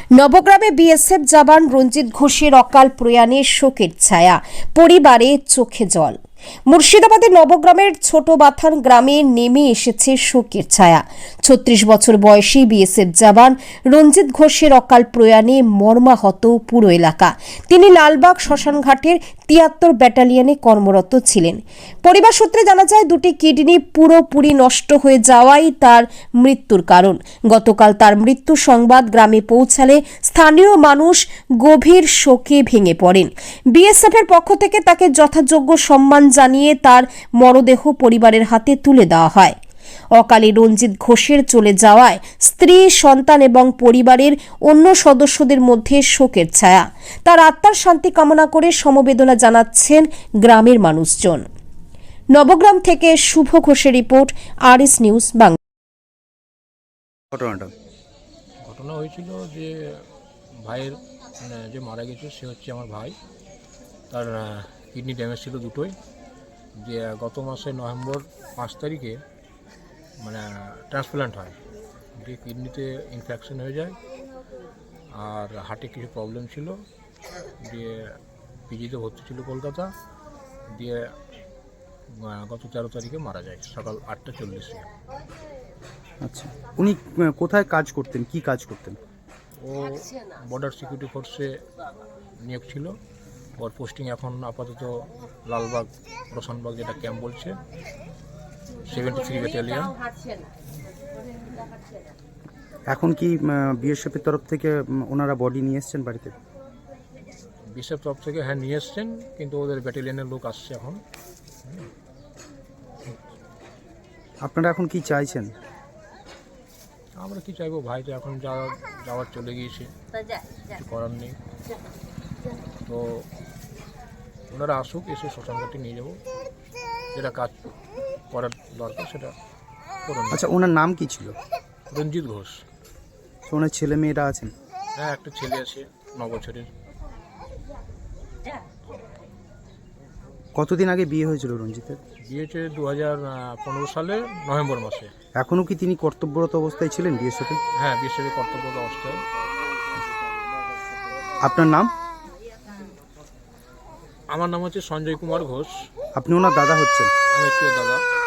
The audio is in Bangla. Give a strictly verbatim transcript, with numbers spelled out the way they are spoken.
নবগ্রামে বিএসএফ জওয়ান রঞ্জিত ঘোষের অকাল প্রয়াণে শোকের ছায়া, পরিবারে চোখে জল। মুর্শিদাবাদের নবগ্রামের ছোট বাথান গ্রামে নেমে এসেছে শোকের ছায়া। ছত্রিশ বছর বয়সী বিএসএফ জওয়ান রঞ্জিত ঘোষের অকাল প্রয়াণে মর্মাহত পুরো এলাকা। তিনি লালবাগ শ্মশানঘাটের তিয়াত্তর ব্যাটালিয়নে কর্মরত ছিলেন। পরিবার সূত্রে জানা যায়, দুটি কিডনি পুরোপুরি নষ্ট হয়ে যাওয়াই তার মৃত্যুর কারণ। গতকাল তার মৃত্যু সংবাদ গ্রামে পৌঁছালে স্থানীয় মানুষ গভীর শোকে ভেঙে পড়েন। বিএসএফ এর পক্ষ থেকে তাকে যথাযোগ্য সম্মান জানিয়ে তার মরদেহ পরিবারের হাতে তুলে দেওয়া হয়। অকালে রঞ্জিত ঘোষের চলে যাওয়ায় স্ত্রী, সন্তান এবং পরিবারের অন্য সদস্যদের মধ্যে শোকের ছায়া। তার আত্মার শান্তি কামনা করে সমবেদনা জানাচ্ছেন গ্রামের মানুষজন। নবগ্রাম থেকে শুভ ঘোষের রিপোর্ট, আরএস নিউজ বাংলা। ঘটনাটা ঘটনা হয়েছিল যে ভাইয়ের মানে যে মারা গেছে সে হচ্ছে আমার ভাই। তার কিডনি ড্যামেজ ছিল দুটোই। যে গত মাসে নভেম্বর পাঁচ তারিখে মানে ট্রান্সপ্লান্ট হয়। যে কিডনিতে ইনফেকশন হয়ে যায় আর হার্টে কিছু প্রবলেম ছিল, দিয়ে পিজিতে ভর্তি ছিল কলকাতা। দিয়ে গত তেরো তারিখে মারা যায় সকাল আটটা চল্লিশে। আচ্ছা, উনি কোথায় কাজ করতেন, কি কাজ করতেন? ও বর্ডার সিকিউরিটি ফোর্সে নিয়োগ ছিল। ওর পোস্টিং এখন আপাতত লালবাগ রোশনবাগ, যেটা ক্যাম্প বলছে, সেভেন্টি থ্রি ব্যাটালিয়ন। এখন কি বিএসএফ এর তরফ থেকে ওনারা বডি নিয়ে এসছেন বাড়িতে? বিএসএফ তরফ থেকে হ্যাঁ নিয়ে এসছেন, কিন্তু ওদের ব্যাটালিয়নের লোক আসছে এখন। আপনারা এখন কি চাইছেন? আমরা কি চাইবো, ভাই তো এখন যাওয়া যাওয়ার চলে গিয়েছে, কিছু করার নেই। তো ওনারা আসুক, এসে শ্মশানঘাটে নিয়ে যাবো, যেটা কাজ করার দরকার সেটা করুন। আচ্ছা, ওনার নাম কি ছিল? রঞ্জিত ঘোষ। তো ওনার ছেলে মেয়েরা আছেন? হ্যাঁ, একটা ছেলে আছে ন বছরের। কতদিন আগে বিয়ে হয়েছিল রঞ্জিতের? বিয়ে হয়েছে দু হাজার পনেরো সালে নভেম্বর মাসে। এখনও কি তিনি কর্তব্যরত অবস্থায় ছিলেন বিএসএফে? হ্যাঁ, বিএসএফে কর্তব্যরত অবস্থায়। আপনার নাম? আমার নাম হচ্ছে সঞ্জয় কুমার ঘোষ। আপনি ওনার দাদা হচ্ছেন? আমি একটু দাদা।